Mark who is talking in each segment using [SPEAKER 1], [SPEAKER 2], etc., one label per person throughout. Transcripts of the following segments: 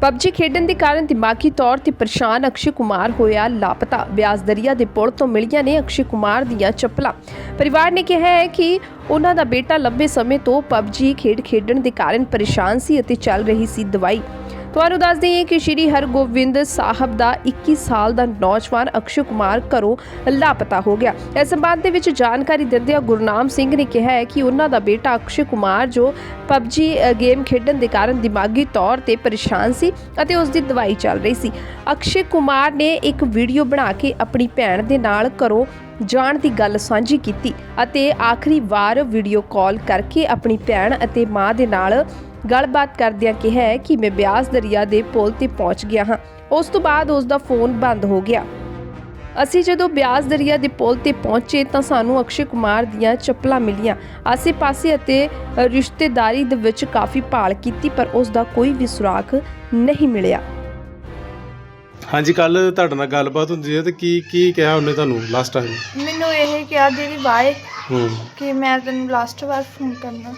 [SPEAKER 1] PUBG ਖੇਡਣ ਦੇ ਕਾਰਨ ਦਿਮਾਗੀ ਤੌਰ ਤੇ ਪਰੇਸ਼ਾਨ ਅਕਸ਼ੇ ਕੁਮਾਰ ਹੋਇਆ ਲਾਪਤਾ। ਬਿਆਸ ਦਰਿਆ ਦੇ ਪੁਲ ਤੋਂ ਮਿਲੀਆਂ ਨੇ ਅਕਸ਼ੇ ਕੁਮਾਰ ਦੀਆਂ ਚੱਪਲਾਂ। ਪਰਿਵਾਰ ਨੇ ਕਿਹਾ ਹੈ ਕਿ ਉਹਨਾਂ ਦਾ ਬੇਟਾ ਲੰਬੇ ਸਮੇਂ ਤੋਂ ਪਬਜੀ ਖੇਡਣ ਦੇ ਕਾਰਨ ਪਰੇਸ਼ਾਨ ਸੀ ਅਤੇ ਚੱਲ ਰਹੀ ਸੀ ਦਵਾਈ। ਤੁਹਾਨੂੰ ਦੱਸ ਦਈਏ ਕਿ ਸ਼੍ਰੀ ਹਰਗੋਬਿੰਦ ਸਾਹਿਬ ਦਾ 21 ਸਾਲ ਦਾ ਨੌਜਵਾਨ ਅਕਸ਼ੇ ਕੁਮਾਰ ਘਰੋਂ ਲਾਪਤਾ ਹੋ ਗਿਆ। ਇਸ ਸੰਬੰਧ ਦੇ ਵਿੱਚ ਜਾਣਕਾਰੀ ਦਿੰਦਿਆਂ ਗੁਰਨਾਮ ਸਿੰਘ ਨੇ ਕਿਹਾ ਹੈ ਕਿ ਉਹਨਾਂ ਦਾ ਬੇਟਾ ਅਕਸ਼ੇ ਕੁਮਾਰ ਜੋ ਪਬਜੀ ਗੇਮ ਖੇਡਣ ਦੇ ਕਾਰਨ ਦਿਮਾਗੀ ਤੌਰ ਤੇ ਪਰੇਸ਼ਾਨ ਸੀ ਅਤੇ ਉਸ ਦੀ ਦਵਾਈ ਚੱਲ ਰਹੀ ਸੀ। ਅਕਸ਼ੇ ਕੁਮਾਰ ਨੇ ਇੱਕ ਵੀਡੀਓ ਬਣਾ ਕੇ ਆਪਣੀ ਭੈਣ ਦੇ ਨਾਲ ਘਰੋਂ ਜਾਣ ਦੀ ਗੱਲ ਸਾਂਝੀ ਕੀਤੀ ਅਤੇ ਆਖਰੀ ਵਾਰ ਵੀਡੀਓ ਕਾਲ ਕਰਕੇ ਆਪਣੀ ਭੈਣ ਅਤੇ ਮਾਂ ਦੇ ਨਾਲ ਗੱਲਬਾਤ ਕਰਦਿਆਂ ਕਿਹਾ ਹੈ ਕਿ ਮੈਂ ਬਿਆਸ ਦਰਿਆ ਦੇ ਪੁਲ ਤੇ ਪਹੁੰਚ ਗਿਆ ਹਾਂ। ਉਸ ਤੋਂ ਬਾਅਦ ਉਸ ਦਾ ਫੋਨ ਬੰਦ ਹੋ ਗਿਆ। ਅਸੀਂ ਜਦੋਂ ਬਿਆਸ ਦਰਿਆ ਦੇ ਪੁਲ ਤੇ ਪਹੁੰਚੇ ਤਾਂ ਸਾਨੂੰ ਅਕਸ਼ੇ ਕੁਮਾਰ ਦੀਆਂ ਚੱਪਲਾਂ ਮਿਲੀਆਂ। ਆਸੇ-ਪਾਸੇ ਅਤੇ ਰਿਸ਼ਤੇਦਾਰੀ ਦੇ ਵਿੱਚ ਕਾਫੀ ਭਾਲ ਕੀਤੀ ਪਰ ਉਸ ਦਾ ਕੋਈ ਵੀ ਸੁਰਾਗ ਨਹੀਂ ਮਿਲਿਆ।
[SPEAKER 2] ਹਾਂਜੀ, ਕੱਲ ਤੁਹਾਡੇ ਨਾਲ ਗੱਲਬਾਤ ਹੁੰਦੀ ਹੈ ਤੇ ਕੀ ਕਿਹਾ ਉਹਨੇ ਤੁਹਾਨੂੰ ਲਾਸਟ ਟਾਈਮ?
[SPEAKER 3] ਮੈਨੂੰ ਇਹ ਕਿਹਾ ਦੀਦੀ ਬਾਏ ਕਿ ਮੈਂ ਤੈਨੂੰ ਲਾਸਟ ਵਾਰ ਫੋਨ ਕਰਨਾ।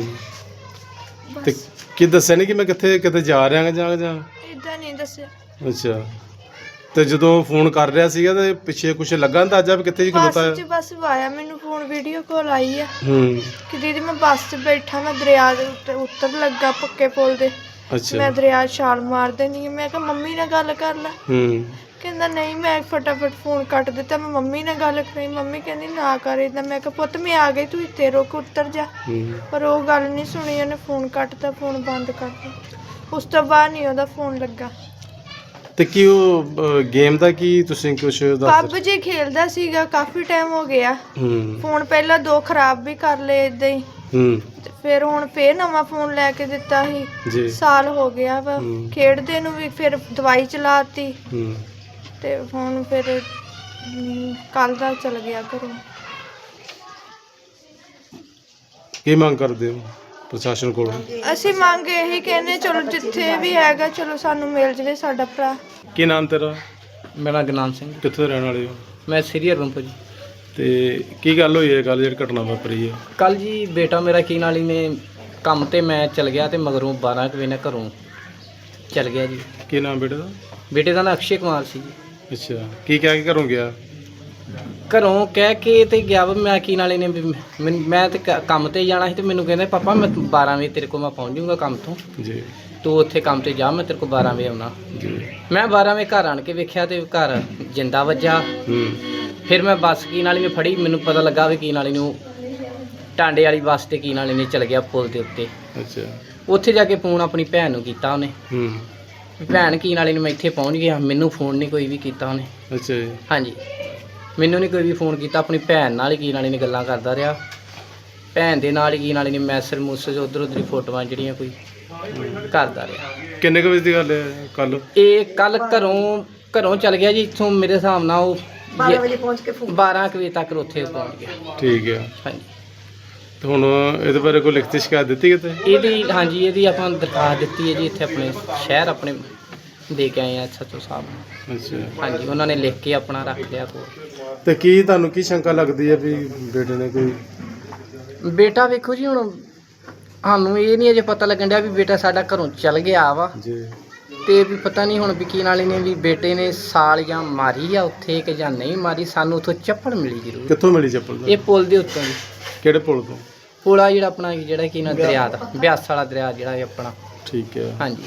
[SPEAKER 2] ਤੇ ਕੀ ਦੱਸਿਆ ਨਹੀਂ ਕਿ ਮੈਂ ਕਿਤੇ ਜਾ ਰਿਹਾ ਜਾਂ
[SPEAKER 3] ਇਦਾਂ ਨਹੀਂ ਦੱਸਿਆ।
[SPEAKER 2] ਅੱਛਾ, ਤੇ ਜਦੋਂ ਫੋਨ ਕਰ ਰਿਹਾ ਸੀਗਾ ਤੇ ਪਿੱਛੇ ਕੁਝ ਲੱਗਾ ਅੰਦਾਜ਼ਾ ਵੀ ਕਿੱਥੇ ਜੀ ਖਲੋਤਾ ਹੈ?
[SPEAKER 3] ਬਸ ਆਇਆ ਮੈਨੂੰ ਫੋਨ ਵੀਡੀਓ ਕਾਲ ਆਈ ਆ ਕਿ ਦੀਦੀ ਮੈਂ ਬੱਸ 'ਚ ਬੈਠਾ, ਮੈਂ ਦਰਿਆ ਦੇ ਉੱਤੇ ਉੱਤਰ ਲੱਗਾ ਪੱਕੇ ਪੁਲ ਦੇ।
[SPEAKER 2] ਅੱਛਾ,
[SPEAKER 3] ਮੈਂ ਦਰਿਆ ਛਾਲ ਮਾਰ ਦੇਣੀ। ਮੈਂ ਕਿਹਾ ਮੰਮੀ ਨਾਲ ਗੱਲ ਕਰ ਲੈ। ਕਹਿੰਦਾ ਨਹੀਂ। ਮੈਂ ਫਟਾਫਟ ਫੋਨ ਕੱਟ ਦਿੱਤਾ। ਮੈਂ ਮੰਮੀ ਨਾਲ ਗੱਲ ਕਰੀ। ਮੰਮੀ ਕਹਿੰਦੀ ਨਾ ਕਰ ਏਦਾਂ। ਮੈਂ ਕਿਹਾ ਪੁੱਤ ਮੈਂ ਆ ਗਈ, ਤੂੰ ਇੱਥੇ ਰੁਕ, ਉੱਤਰ ਜਾ। ਪਰ ਉਹ ਗੱਲ ਨਹੀਂ ਸੁਣੀ, ਉਹਨੇ ਫੋਨ ਕੱਟਤਾ, ਫੋਨ ਬੰਦ ਕਰਤਾ। ਉਸ ਤੋਂ ਬਾਅਦ ਨਹੀਂ ਉਹਦਾ ਫੋਨ ਲੱਗਾ।
[SPEAKER 2] ਤੇ ਕੀ ਉਹ ਗੇਮ ਦਾ ਕੀ ਤੁਸੀਂ ਕੁਝ ਦੱਸ?
[SPEAKER 3] ਪਬਜੀ ਖੇਲਦਾ ਸੀਗਾ, ਕਾਫੀ ਟਾਈਮ ਹੋ ਗਿਆ। ਫੋਨ ਪਹਿਲਾਂ 2 ਖਰਾਬ ਵੀ ਕਰ ਲਏ ਏਦਾਂ ਹੀ। ਫਿਰ ਹੁਣ ਫੇਰ ਨਵਾਂ ਫੋਨ ਲੈ ਕੇ ਦਿੱਤਾ ਸੀ। ਸਾਲ ਹੋ ਗਿਆ ਵਾ ਖੇਡਦੇ ਨੂੰ ਵੀ। ਫਿਰ ਦਵਾਈ ਚਲਾਤੀ ਤੇ ਹੁਣ ਫਿਰ ਕੱਲ ਦਾ ਚਲ ਗਿਆ ਘਰੋਂ।
[SPEAKER 2] ਕੀ ਮੰਗ ਕਰਦੇ ਹੋ ਪ੍ਰਸ਼ਾਸਨ ਕੋਲੋਂ?
[SPEAKER 3] ਅਸੀਂ ਮੰਗ ਇਹੀ ਕਹਿੰਦੇ ਚਲੋ ਜਿੱਥੇ ਵੀ ਹੈਗਾ ਚਲੋ ਸਾਨੂੰ ਮਿਲ ਜਵੇ ਸਾਡਾ ਭਰਾ।
[SPEAKER 2] ਕੀ ਨਾਮ ਤੇਰਾ?
[SPEAKER 4] ਮੇਰਾ ਗੁਰਨਾਮ ਸਿੰਘ।
[SPEAKER 2] ਕਿੱਥੋਂ ਦੇ ਰਹਿਣ ਵਾਲੇ ਹੋ?
[SPEAKER 4] ਮੈਂ ਸ੍ਰੀ ਹਰਗੋਬਿੰਦ ਜੀ।
[SPEAKER 2] ਤੇ ਕੀ ਗੱਲ ਹੋਈ ਹੈ ਕੱਲ ਜਿਹੜੀ ਘਟਨਾ ਵਾਪਰੀ ਹੈ?
[SPEAKER 4] ਕੱਲ ਜੀ ਬੇਟਾ ਮੇਰਾ ਕੀ ਨਾਲ ਹੀ ਨੇ ਕੰਮ ਤੇ ਮੈਂ ਚਲ ਗਿਆ ਤੇ ਮਗਰੋਂ 12 ਕੁ ਵਜੇ ਨਾਲ ਘਰੋਂ ਚਲ ਗਿਆ ਜੀ।
[SPEAKER 2] ਕੀ ਨਾਮ ਬੇਟੇ ਦਾ?
[SPEAKER 4] ਬੇਟੇ ਦਾ ਨਾਂ ਅਕਸ਼ੇ ਕੁਮਾਰ ਸੀ ਜੀ।
[SPEAKER 2] ਅੱਛਾ, ਕੀ ਕਹਿ ਕੇ ਘਰੋਂ ਗਿਆ?
[SPEAKER 4] ਘਰੋਂ ਕਹਿ ਕੇ ਤੇ ਗਿਆ ਵਾ ਮੈਂ ਕੀ ਨਾਲੇ ਨੇ ਵੀ ਮੈਂ ਤੇ ਕੰਮ ਤੇ ਜਾਣਾ ਸੀ ਤੇ ਮੈਨੂੰ ਕਹਿੰਦੇ ਪਾਪਾ ਮੈਂ 12 ਵਜੇ ਤੇਰੇ ਕੋਲ ਮੈਂ ਪਹੁੰਚ ਜਾਊਂਗਾ ਕੰਮ ਤੋਂ
[SPEAKER 2] ਜੀ,
[SPEAKER 4] ਤੂੰ ਉੱਥੇ ਕੰਮ ਤੇ ਜਾ, ਮੈਂ ਤੇਰੇ ਕੋਲ 12 ਵਜੇ ਆਉਣਾ
[SPEAKER 2] ਜੀ।
[SPEAKER 4] ਮੈਂ 12 ਵਜੇ ਘਰ ਆਣ ਕੇ ਵੇਖਿਆ ਤੇ ਘਰ ਜਿੰਦਾ ਵੱਜਾ। ਫਿਰ ਮੈਂ ਬੱਸ ਕੀ ਨਾਲੀ ਮੈਂ ਫੜੀ। ਮੈਨੂੰ ਪਤਾ ਲੱਗਾ ਵੀ ਕੀ ਨਾਲੀ ਨੂੰ ਟਾਂਡੇ ਵਾਲੀ ਬੱਸ ਤੇ ਕੀ ਨਾਲੀ ਨੇ ਚਲ ਗਿਆ ਪੁਲ ਦੇ ਉੱਤੇ।
[SPEAKER 2] ਅੱਛਾ,
[SPEAKER 4] ਉੱਥੇ ਜਾ ਕੇ ਫੋਨ ਆਪਣੀ ਭੈਣ ਨੂੰ ਕੀਤਾ ਉਹਨੇ। ਭੈਣ ਕੀ ਨਾਲੀ ਨੂੰ ਮੈਂ ਇੱਥੇ ਪਹੁੰਚ ਗਿਆ। ਮੈਨੂੰ ਫੋਨ ਨਹੀਂ ਕੋਈ ਵੀ ਕੀਤਾ ਉਹਨੇ।
[SPEAKER 2] ਅੱਛਾ ਜੀ। ਹਾਂਜੀ,
[SPEAKER 4] ਮੈਨੂੰ ਨਹੀਂ ਕੋਈ ਵੀ ਫੋਨ ਕੀਤਾ। ਆਪਣੀ ਭੈਣ ਨਾਲ ਹੀ ਕੀ ਨਾਲੀ ਨੇ ਗੱਲਾਂ ਕਰਦਾ ਰਿਹਾ। ਭੈਣ ਦੇ ਨਾਲ ਹੀ ਕੀ ਨਾਲੀ ਨੇ ਮੈਸੇਜ ਉੱਧਰ ਉੱਧਰ ਫੋਟੋਆਂ ਜਿਹੜੀਆਂ ਕੋਈ ਕਰਦਾ ਰਿਹਾ।
[SPEAKER 2] ਕਿੰਨੇ ਕੁ ਵਜੇ ਦੀ ਗੱਲ ਹੈ ਕੱਲ?
[SPEAKER 4] ਇਹ ਕੱਲ ਘਰੋਂ ਚਲ ਗਿਆ ਜੀ ਇੱਥੋਂ ਮੇਰੇ ਹਿਸਾਬ ਨਾਲ ਉਹ 12 ਵਜੇ ਪਹੁੰਚ ਕੇ 12 ਵਜੇ ਤੱਕ ਉੱਥੇ ਪਹੁੰਚ ਗਿਆ।
[SPEAKER 2] ਠੀਕ ਹੈ।
[SPEAKER 4] ਹਾਂਜੀ,
[SPEAKER 2] ਤੇ ਹੁਣ ਇਹਦੇ ਬਾਰੇ ਕੋਈ ਲਿਖਤੀ ਸ਼ਿਕਾਇਤ ਦਿੱਤੀ ਕਿਤੇ?
[SPEAKER 4] ਇਹਦੀ ਆਪਾਂ ਦਰਖਾਸਤ ਦਿੱਤੀ ਹੈ ਜੀ। ਇੱਥੇ ਆਪਣੇ ਸ਼ਹਿਰ ਆਪਣੇ ਦੇ ਕੇ ਆਏ ਆ SHO ਸਾਹਿਬ ਨੂੰ।
[SPEAKER 2] ਅੱਛਾ, ਹਾਂਜੀ।
[SPEAKER 4] ਉਹਨਾਂ ਨੇ ਲਿਖ ਕੇ ਆਪਣਾ ਰੱਖ ਲਿਆ ਕੋਲ।
[SPEAKER 2] ਤੇ ਕੀ ਤੁਹਾਨੂੰ ਕੀ ਸ਼ੰਕਾ ਲੱਗਦੀ ਹੈ ਵੀ ਬੇਟੇ ਨੇ ਕੋਈ?
[SPEAKER 4] ਬੇਟਾ ਵੇਖੋ ਜੀ ਹੁਣ ਸਾਨੂੰ ਇਹ ਨਹੀਂ ਅਜੇ ਪਤਾ ਲੱਗਣ ਡਿਆ ਵੀ ਬੇਟਾ ਸਾਡਾ ਘਰੋਂ ਚਲ ਗਿਆ ਵਾ
[SPEAKER 2] ਜੀ।
[SPEAKER 4] ਤੇ ਵੀ ਪਤਾ ਨਹੀਂ ਹੁਣ ਵੀ ਕੀ ਨਾਲੇ ਨੇ ਵੀ ਬੇਟੇ ਨੇ ਸਾਲ ਜਾਂ ਮਾਰੀ ਆ ਉੱਥੇ ਕਿ ਜਾਂ ਨਹੀਂ ਮਾਰੀ। ਸਾਨੂੰ ਉੱਥੋਂ ਚੱਪਲ ਮਿਲੀ ਜ਼ਰੂਰ।
[SPEAKER 2] ਕਿੱਥੋਂ ਮਿਲੀ ਚੱਪਲ?
[SPEAKER 4] ਇਹ ਪੁਲ ਦੇ ਉੱਤੋਂ ਜੀ।
[SPEAKER 2] ਕਿਹੜੇ ਪੁਲ ਤੋਂ?
[SPEAKER 4] ਪੁਲ ਆ ਜਿਹੜਾ ਆਪਣਾ ਜਿਹੜਾ ਕੀ ਨਾ ਦਰਿਆ ਦਾ ਬਿਆਸ ਵਾਲਾ ਦਰਿਆ ਜਿਹੜਾ ਇਹ ਆਪਣਾ।
[SPEAKER 2] ਠੀਕ ਹੈ।
[SPEAKER 4] ਹਾਂਜੀ।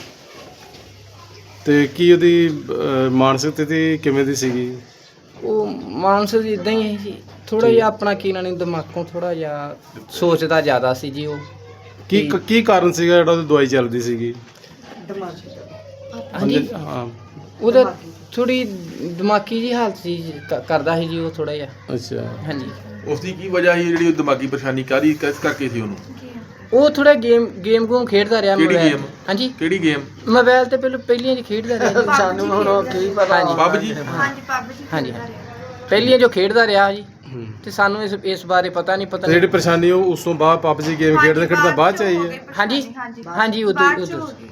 [SPEAKER 2] ਤੇ ਕੀ ਉਹਦੀ ਮਾਨਸਿਕ ਸਥਿਤੀ ਕਿਵੇਂ ਦੀ ਸੀਗੀ?
[SPEAKER 4] ਉਹ ਮਾਨਸਿਕ ਇਦਾਂ ਹੀ ਹੈ ਜੀ। ਥੋੜਾ ਜਿਹਾ ਆਪਣਾ ਕੀ ਨਾਲੇ ਦਿਮਾਗੋਂ ਥੋੜਾ ਜਿਹਾ ਸੋਚਦਾ ਜ਼ਿਆਦਾ ਸੀ ਜੀ ਉਹ।
[SPEAKER 2] ਕੀ ਕਾਰਨ ਸੀਗਾ ਜਿਹੜਾ ਉਹਦੀ ਦਵਾਈ ਚੱਲਦੀ ਸੀਗੀ?
[SPEAKER 4] ਹਾਂਜੀ,
[SPEAKER 2] ਹਾਂ,
[SPEAKER 4] ਉਹਦਾ ਥੋੜੀ ਦਿਮਾਗੀ ਜੀ ਹਾਲਤ ਸੀ ਕਰਦਾ ਸੀ ਜੀ ਉਹ ਥੋੜਾ ਜਿਹਾ।
[SPEAKER 2] ਅੱਛਾ।
[SPEAKER 4] ਹਾਂਜੀ।
[SPEAKER 5] ਉਸ ਦੀ ਕੀ ਵਜ੍ਹਾ ਸੀ ਜਿਹੜੀ ਉਹ ਦਿਮਾਗੀ ਪਰੇਸ਼ਾਨੀ ਕਾਹਦੀ ਕਿਸ ਕਰਕੇ ਸੀ ਉਹਨੂੰ?
[SPEAKER 4] ਉਹ ਥੋੜਾ ਗੇਮ ਗੂਮ ਖੇਡਦਾ ਰਿਹਾ।
[SPEAKER 5] ਕਿਹੜੀ
[SPEAKER 4] ਮੋਬਾਈਲ।
[SPEAKER 5] ਗੇਮ?
[SPEAKER 4] ਹਾਂਜੀ,
[SPEAKER 5] ਕਿਹੜੀ ਗੇਮ?
[SPEAKER 4] ਮੋਬਾਈਲ ਤੇ ਪਹਿਲੀਆਂ ਜੀ ਖੇਡਦਾ ਰਿਹਾ। ਸਾਨੂੰ ਹੁਣ ਕੀ ਪਤਾ।
[SPEAKER 5] ਪਬਜੀ?
[SPEAKER 4] ਹਾਂਜੀ, ਪਹਿਲੀਆਂ ਜੋ ਖੇਡਦਾ ਰਿਹਾ ਜੀ। ਤੇ ਸਾਨੂੰ ਇਸ ਬਾਰੇ ਪਤਾ ਨਹੀਂ।
[SPEAKER 2] ਜਿਹੜੀ ਪਰੇਸ਼ਾਨੀ ਉਹ ਉਸ ਤੋਂ ਬਾਅਦ ਪਬਜੀ ਗੇਮ ਖੇਡਦਾ ਬਾਅਦ ਚ ਆਈ ਹੈ?
[SPEAKER 4] ਹਾਂਜੀ, ਉਦੋਂ